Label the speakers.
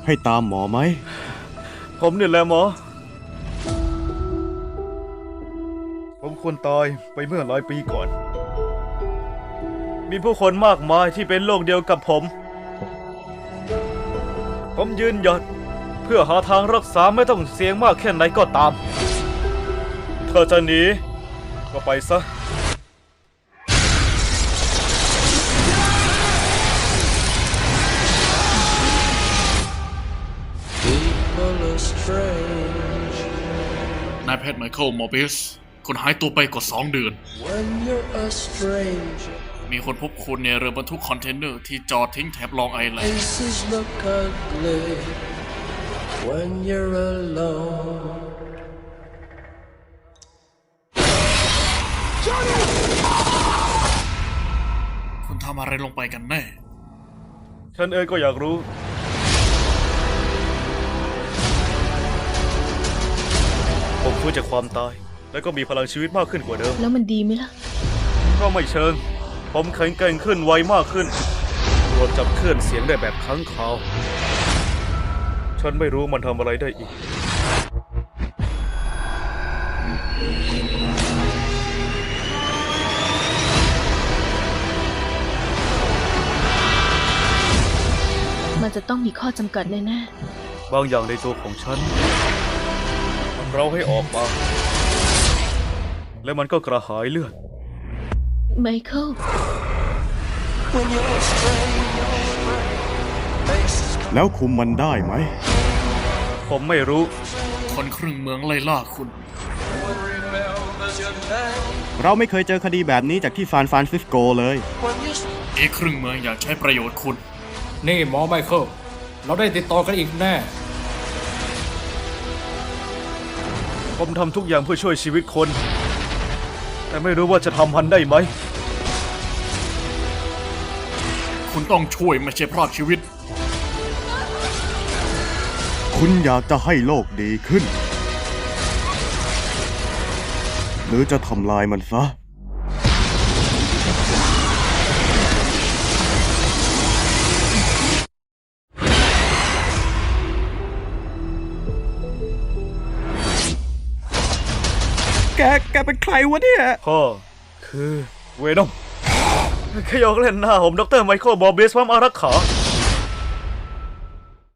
Speaker 1: ให้ตามหมอไหม
Speaker 2: ผมนี่แหละหมอผมควรตายไปเมื่อหลายปีก่อน มีผู้คนมากมายที่เป็นโรคเดียวกับผมยืนหยัดเพื่อหาทางรักษาไม่ต้องเสี่ยงมากแค่ไหนก็ตามเธอจะหนีก็ไปซะ
Speaker 3: นายแพทย์ไมเคิลมอร์เบสคุณหายตัวไปกว่า2 เดือน มีคนพบคุณในเรือบรรทุกคอนเทนเนอร์ที่จอดทิ้งแถบลองไอแลนด์คุณทำอะไรลงไปกันแน่
Speaker 2: ฉันเองก็อยากรู้ผมฟื้นจากความตายแล้วก็มีพลังชีวิตมากขึ้นกว่าเดิม
Speaker 4: แล้วมันดีไหมล่ะ
Speaker 2: ก็ไม่เชิงผมแข็งแกร่งขึ้นไวมากขึ้นรวมจับคลื่นเสียงได้แบบค้างคาวฉันไม่รู้มันทำอะไรได้อีก
Speaker 4: มันจะต้องมีข้อจำกัดแน่
Speaker 2: บางอย่างในตัวของฉันมันเราให้ออกมาและมันก็กระหายเลือด
Speaker 4: ไมเคิล
Speaker 1: แล้วคุมมันได้ไหม
Speaker 2: ผมไม่รู้
Speaker 3: คนครึ่งเมืองไล่ล่าคุณ
Speaker 1: เราไม่เคยเจอคดีแบบนี้จากที่ซานฟรานซิสโกเลย
Speaker 3: อีกครึ่งเมืองอยากใช้ประโยชน์คุณ
Speaker 5: นี่หมอไมเคิลเราได้ติดต่อกันอีกแน่
Speaker 2: ผมทำทุกอย่างเพื่อช่วยชีวิตคนแต่ไม่รู้ว่าจะทำมันได้ไหม
Speaker 3: คุณต้องช่วยไม่ใช่พรากชีวิต
Speaker 1: คุณอยากจะให้โลกดีขึ้นหรือจะทำลายมันซะแกเป็นใครวะเนี่ย
Speaker 2: พ่อคือเวนอมแค่ยกเล่นหน้าผมดรไมเคิลบอเบสพร้อมอารักขา